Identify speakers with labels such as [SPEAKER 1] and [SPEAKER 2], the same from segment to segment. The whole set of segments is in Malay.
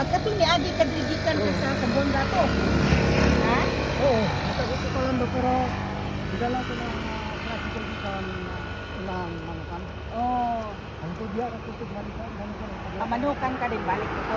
[SPEAKER 1] kato ni agi kadrigikan ka sa Sambuanga to. Ha?
[SPEAKER 2] Oo, natagot ko lang doon pero dala ko na practical sa unahan manukan.
[SPEAKER 1] Oh,
[SPEAKER 2] Ang tudya ka tutod manukan.
[SPEAKER 1] manukan ka din balik ko.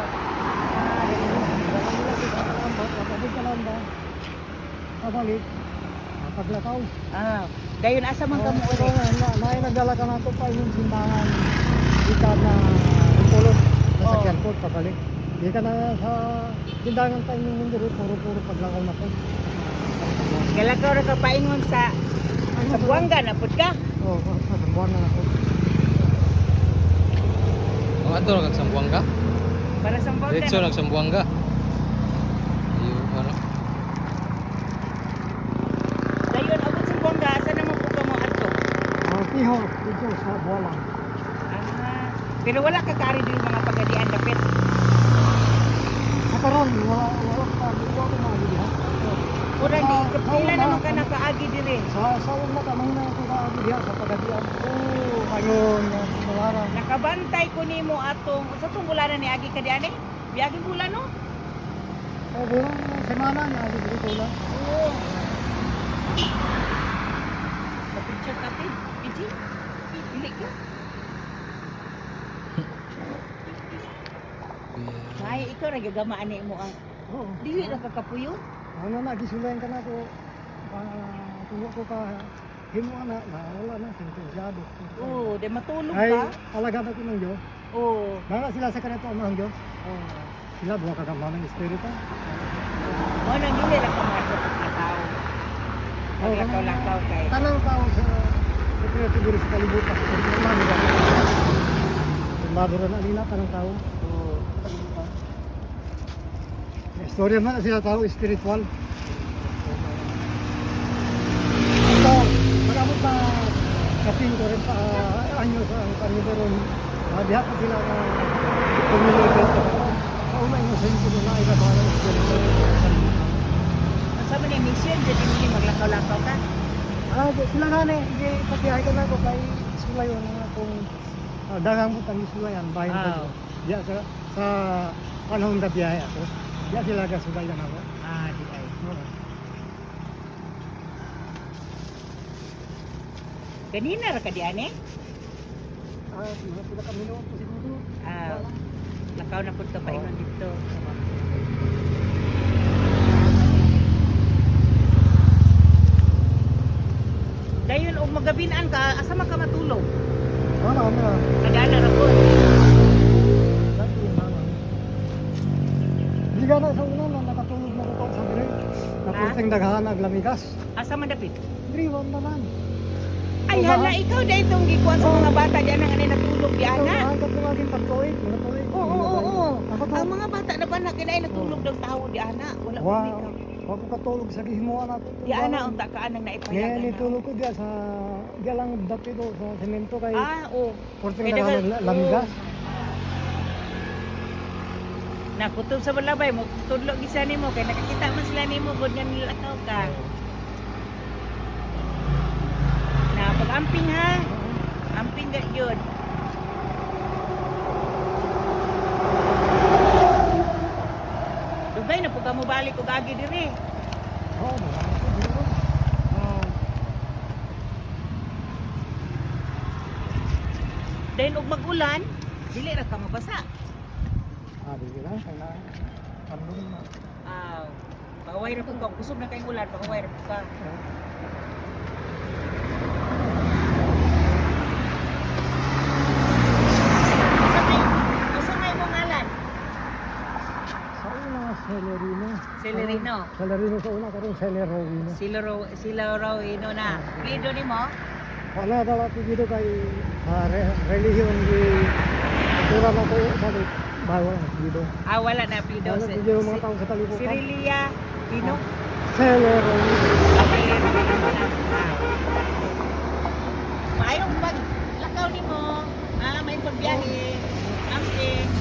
[SPEAKER 2] Kapag ka lang ba? Kabalik. Paglakaw.
[SPEAKER 1] Ah, dayon asa man ka mo uli?
[SPEAKER 2] May nagdala ka na ito pa yung simbahan. Ikat na pulot. Nasakyan ko, pabalik. Di ka na sa tindahan pa yung mundo. Puro paglakaw na po.
[SPEAKER 1] Galakaw ra ka paingon sa Sambuanga na pud ka.
[SPEAKER 2] Oo, sa Sambuanga na po.
[SPEAKER 3] Ang ato nagsambuanga?
[SPEAKER 1] Para Sambuanga.
[SPEAKER 3] Diretso nagsambuanga. Yung ano?
[SPEAKER 1] Dayon abot Sambuanga asa na mo pud ka mo adto?
[SPEAKER 2] Piho, dito sa Bualang.
[SPEAKER 1] Ah, pero wala ka kari dili mga pagadian dapit.
[SPEAKER 2] Karon wala pa dito ako mga
[SPEAKER 1] Pura di pila naman ka nakaagi diri.
[SPEAKER 2] Sa una ka muna ako diha sa pagadian. Ayun, Balara.
[SPEAKER 1] Nakabantay ko nimo atong sa tong bulanan ni agi ka diani? Biagi bulan no?
[SPEAKER 2] Bulang semana na dito lang.
[SPEAKER 1] Oo. Picture ka ti, Piji. Dili ka. Ay, ikaw ra gagamaan ni mo ang
[SPEAKER 2] Oo.
[SPEAKER 1] dili ra ka kapuyo.
[SPEAKER 2] Ano na gisulayan ka na ko. Tuwa ko ka himo na wala na sentensyado.
[SPEAKER 1] Oo, de matulog
[SPEAKER 2] Ay,
[SPEAKER 1] ka.
[SPEAKER 2] alaga na ko ng Diyo.
[SPEAKER 1] Oo.
[SPEAKER 2] Mga sila sa kanito ang Diyo. Sila buha ka gamang ng espiritu.
[SPEAKER 1] Mo nang dili ra ka mato ka tao.
[SPEAKER 2] Oo,
[SPEAKER 1] Lakaw-lakaw kay.
[SPEAKER 2] Tanang tao sa sekreto diri sa kalibutan. Madura na nila tanang tao.
[SPEAKER 1] Oo.
[SPEAKER 2] Istorya man sila tao spiritual. Ito, magabot na kaping ko rin pa anyo sa kaniberon. Diha pa sila na community. Sa una yung sentro na iba ba ng spiritual.
[SPEAKER 1] Asa man ni mission jadi mo maglakaw-lakaw ka.
[SPEAKER 2] Sila nga na, hindi patihay ka na ko kay sulayon na kung dagang mo tangi sulayan, bayan ka
[SPEAKER 1] Ah.
[SPEAKER 2] diya sa panahon na biyahe ako. Diya sila ka sulayan ako.
[SPEAKER 1] Ah, di ay. Ganina ra ka diani?
[SPEAKER 2] Mga pila kami noon po siguro.
[SPEAKER 1] Ah, lakaw na pud ka paingon dito. Dayon og magabinaan ka, asa man ka matulog?
[SPEAKER 2] Ano.
[SPEAKER 1] Nagana ra pud.
[SPEAKER 2] Lagi yung mama. Di ka na sa una na nakatulog na ko sa dire. Napunting daghan naglamigas.
[SPEAKER 1] Asa man dapit?
[SPEAKER 2] Driwan naman.
[SPEAKER 1] Ay hala, ikaw dahil itong gikuan sa mga bata diyan ang anay natulog di ana.
[SPEAKER 2] Ang katulagin pagtuig, mga tuig.
[SPEAKER 1] Oo.
[SPEAKER 2] Ako to.
[SPEAKER 1] Ang mga bata na ba na kinay natulog daw tao di ana. Wala ko
[SPEAKER 2] Wow.
[SPEAKER 1] ikaw.
[SPEAKER 2] Ako katulog sa gihimuan ako.
[SPEAKER 1] Di ana unta ka anang naipayagan.
[SPEAKER 2] Ngayon itulog ko diya sa diya lang dati do sa semento kay
[SPEAKER 1] Ah, oo.
[SPEAKER 2] porting
[SPEAKER 1] Kay
[SPEAKER 2] daghan
[SPEAKER 1] dagan-
[SPEAKER 2] lamigas.
[SPEAKER 1] Nakutob sa balabay mo, tudlo gisa nimo kay nakakita man sila nimo gud nga nilakaw ka. Na pag-amping ha. Amping ga yun. Dugay na po ka mo balik og agi diri.
[SPEAKER 2] Oo, marami ko dito.
[SPEAKER 1] Oh. Dahil og mag-ulan, dili ra ka mabasa.
[SPEAKER 2] Di lang kay na pandong na.
[SPEAKER 1] Ah, pagaway ra po ka, kusog na kayong ulan, pagaway ra po ka. Usa may mong ngalan?
[SPEAKER 2] Sa una Celerino.
[SPEAKER 1] Celerino.
[SPEAKER 2] Celerino sa una karon Celerino.
[SPEAKER 1] Sila raw ino na. Plido nimo?
[SPEAKER 2] Wala daw ako dito kay relihiyon di kultura na ko sa bawal dito.
[SPEAKER 1] Ah, wala na plido.
[SPEAKER 2] Wala dito yung mga tao sa kalibutan.
[SPEAKER 1] Sirilia Pino.
[SPEAKER 2] Celerino.
[SPEAKER 1] Maayong pag lakaw nimo. Ah, may pagbiyahe. Amping.